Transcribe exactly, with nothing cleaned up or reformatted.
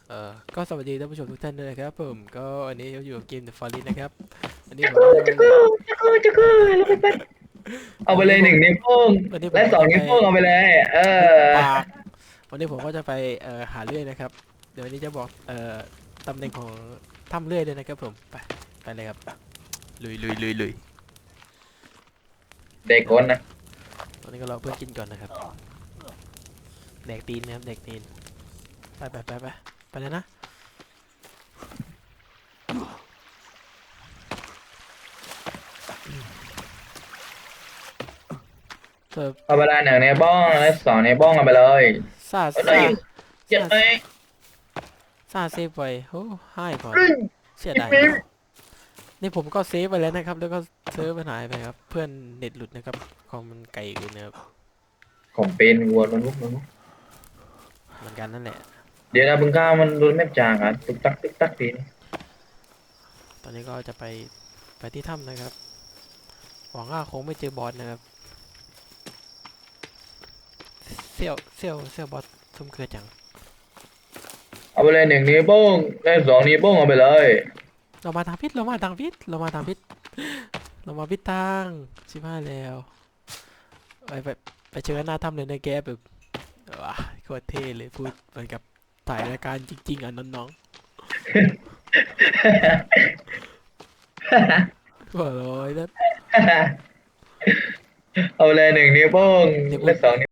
เอ่อก็สวัสดีท่านผู้ชมทุกท่านด้วยนะครับผมก็วันนี้เราอยู่กับเกม The Forest นะครับวันนี้ผมก็จะมาเล่นจะคือจะคือแล้วไปไปเอาไปวันนี้ผมเลยหนึ่งนิ้วโป้งวันนี้ผและสองมก็จะไปนิ้วโป้งเอาไปเลยเอหุบอปากวันนี้ผมก็จะไปเอ่อหาเลื่อยนะครับเดี๋ยววันนี้จะบอกเอ่อตำแหน่งของถ้ำเลื่อยด้วยนะครับผมไปไปเลยครับลุยลุยลุยลุยเด็กคนนะตอนนี้ก็รอเพื่อนกินก่อนนะครับแดกตีนนะครับแดกตีนไปไปไปไปไปเลยนะเสิร์ฟเอาไปเลยหนึ่งนิ้วโป้งและสองนิ้วโป้งเอาไปเลยซาเอาได้ซาอยู่เจ็ดซาไหมซาเซฟไว้โอ้ให้ก่อนรึ่งเสียอีกดายนิ้วนี่ผมก็เซฟไปแล้วนะครับแล้วก็เซิร์ฟมันหายไปครับเพื่อนเน็ตหลุดนะครับคอมมันไกลเกินนะครับผมเป็นวัวมันลุกมันลุกเหมือนกันนั่นแหละเดี๋ยวนะบึงข้าวมันโดนแม่จางอ่ะตึกตักตึกตักทีนี้ตอนนี้ก็จะไปไปที่ถ้ำนะครับหวังว่าคงไม่เจอบอสนะครับเซี่ยวเซี่ยวเซี่ยวบอสซุ่มเกลือจังเอาไปเลยหนึ่งนิ้วโป้งและสองนิ้วโป้งเอาไปเลยเรามาทางพิษเรามาทางพิษเรามาทางพิษเรามาพิษทางชิบหายแล้วไปไปไปเจอกันหน้าถ้ำเลยนะแกแบบว้าโคตรเท่เลยพูดเหมือนกับถ่ายรายการจริงๆอ่ะน้องๆหัวเร้อยแล้วเอาไปเลยหนึ่งนิ้วโป้งเดี๋ยวผมและสองนิ้ว